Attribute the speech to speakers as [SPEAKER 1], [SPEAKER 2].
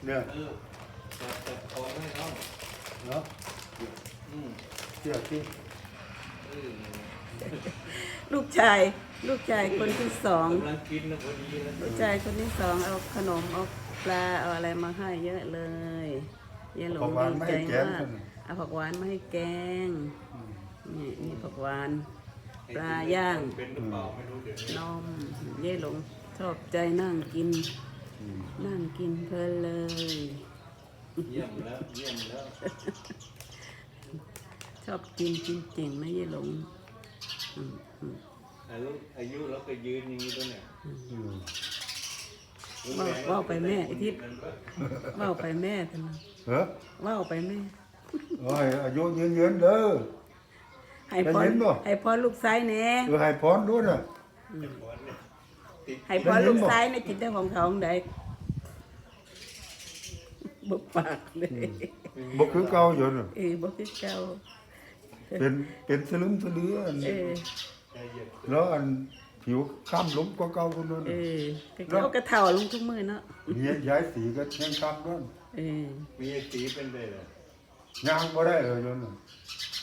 [SPEAKER 1] เนี่ย
[SPEAKER 2] จับคอให้เขา
[SPEAKER 1] เนาะเชื่อที่
[SPEAKER 3] ลูกชายคนที่สอง
[SPEAKER 2] กำลังกินนะพอดีนะ
[SPEAKER 3] ลูกชายคนที่สองเอาขนมเอาปลาเอาอะไรมาให้เยอะเลยยายหลงดีใจมากเอาผักหวานมาให้แกงนี่ผักหวานปลาย่าง
[SPEAKER 2] เป็นหรือเปล่าไม่รู้เดี๋ยวนี้
[SPEAKER 3] นมยายหลงชอบใจนั่งกินเพลินเลย
[SPEAKER 2] เยี่ยมแล้วเยี่ยมแล้ว
[SPEAKER 3] ชอบกินจริงๆนะยายหลง
[SPEAKER 2] อายุแล้วก็ยืนอย่างนี้ด้วยเนี่ย
[SPEAKER 3] ว่าไปแม่ไอ้ทิศว่าไปแม่ท่าน
[SPEAKER 1] เฮ้อ
[SPEAKER 3] ว่าไปแม่
[SPEAKER 1] โอ้ยอายุยืนเด้อ
[SPEAKER 3] ให้พร
[SPEAKER 1] ได้ยินบ่
[SPEAKER 3] ให้พรลูกชายแหน่
[SPEAKER 1] ให้พรด้วยน่ะ
[SPEAKER 3] ให้พรลูกชายในจิตใจของเขาของใดบุปากเลย
[SPEAKER 1] บ่คือเก่าอยู่น่ะ
[SPEAKER 3] บ่คือเก่า
[SPEAKER 1] เป็นสลึมสลืออัน แล้วอันผิวค้ำล้มกว่าเก่าคนนั้น
[SPEAKER 3] เขากระเท่าลงทุกมือเนาะ
[SPEAKER 1] เนี่ยย้ายสีก็ยังค้ำนั่น
[SPEAKER 2] มีไอ้สีเป็นเลยเหรอ
[SPEAKER 1] ย่างบ่ได้เลยจนน่ะ